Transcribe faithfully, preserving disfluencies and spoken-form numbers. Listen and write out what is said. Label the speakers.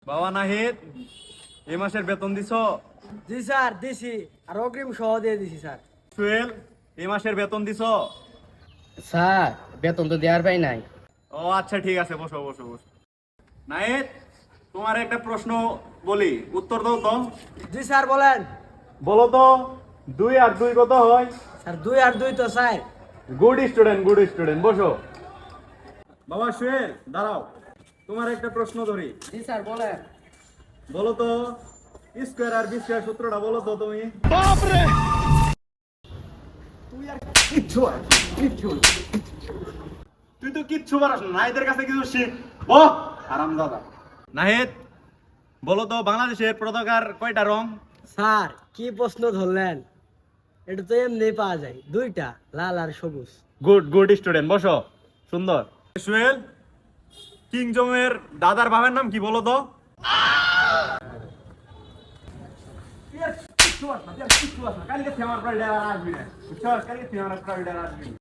Speaker 1: বাবা নাহিদ, এই মাসের বেতন দিছো?
Speaker 2: জি স্যার দিছি, আর অগ্রিম সহ দিয়ে দিছি স্যার।
Speaker 1: সুয়েল, এই মাসের বেতন দিছো?
Speaker 3: স্যার বেতন তো দেওয়ার পাই নাই।
Speaker 1: ও আচ্ছা, ঠিক আছে, বসো বসো বসো। নাহিদ, তোমার একটা প্রশ্ন বলি, উত্তর দাও তো।
Speaker 2: জি স্যার বলেন।
Speaker 1: বলো তো, দুই আর দুই কত হয়?
Speaker 2: স্যার দুই আর দুই তো sir.
Speaker 1: Good student, good student, বসো। বাবা সুয়েল, দাঁড়াও, তোমার একটা প্রশ্ন ধরি।
Speaker 3: জি স্যার বলেন।
Speaker 1: বলো তো, স্কোয়ার আর বি স্কোয়ার সূত্রটা বলো তো তুমি। তুই আর কিচ্ছু পারিস না, কিচ্ছু না। তুই তো কিচ্ছু পারিস না, নাহিদের কাছে কিছু শিখ। ও হারামজাদা। নাহিদ, বলো তো, বাংলাদেশের পতাকার কয়টা রং?
Speaker 2: স্যার কি প্রশ্ন ধরলেন, এটা তো এমনি পাওয়া যায়, দুইটা, লাল আর সবুজ।
Speaker 1: গুড গুড স্টুডেন্ট, বসো। সুন্দর। সুয়েল, কিং জমের দাদার বাবার নাম কি বলো তো? কিচ্ছু পারিস না, কিচ্ছু পারিস না। কালকে থেকে আমার প্রায় আসবি না, বুঝছো? কালকে থেকে আমার প্রায় আসবি না।